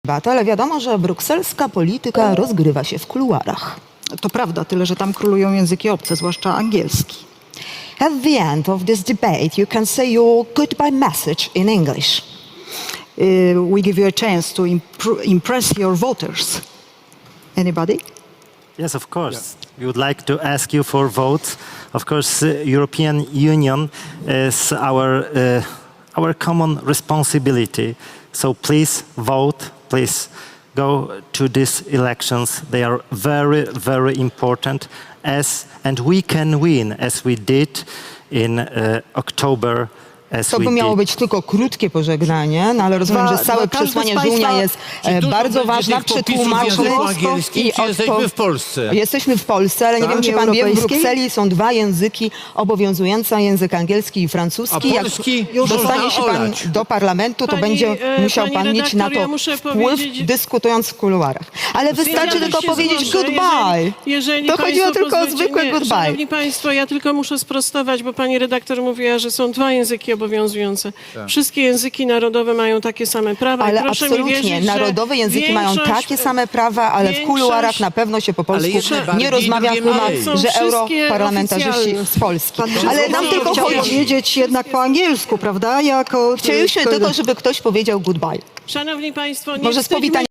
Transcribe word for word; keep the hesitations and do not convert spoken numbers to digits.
Ale wiadomo, że brukselska polityka rozgrywa się w kuluarach. To prawda, tyle że tam królują języki obce, zwłaszcza angielski. At the end of this debate, you can say your goodbye message in English. Uh, we give you a chance to impr- impress your voters. Anybody? Yes, of course. We would like to ask you for votes. Of course, uh, European Union is our uh, our common responsibility. So please vote. Please go to these elections. They are very, very important. As and we can win, as we did in uh, October. To by miało być tylko krótkie pożegnanie, no ale rozumiem, Dwa- że całe dwa- każdy przesłanie z państwa- żółnia jest e, bardzo ważne. Przetłumaczył i jesteśmy w Polsce. Jesteśmy w Polsce, ale nie Tak? wiem, czy pan wie, w Europejskiej? Brukseli są dwa języki obowiązujące, język angielski i francuski. A polski Jak już dostanie można się pan olać. do parlamentu, to Pani, będzie e, musiał pani pan mieć na redaktor, to ja muszę wpływ, powiedzieć- dyskutując w kuluarach. Ale wystarczy Ja tylko się powiedzieć zgłoszę, goodbye. Jeżeli, jeżeli To chodziło państwo tylko o pozwolicie- zwykłe nie, goodbye. Szanowni Państwo, ja tylko muszę sprostować, bo pani redaktor mówiła, że są dwa języki obowiązujące. Wszystkie języki narodowe mają takie same prawa. Ale I proszę mi absolutnie, wierzyć, że narodowe języki mają większość- takie same prawa, ale w większość- kuluarach na pewno się po polsku jedne nie bardziej, rozmawia, drugie chyba, mniej. Są że wszystkie europarlamentarzyści oficjalne. z Polski. Pan Ale nam tylko tylko chciał chodzi... powiedzieć jednak po angielsku, prawda? Jako, Chcieliśmy tylko, żeby ktoś powiedział goodbye. Szanowni Państwo, nie Może z wstydźmy powitaniem.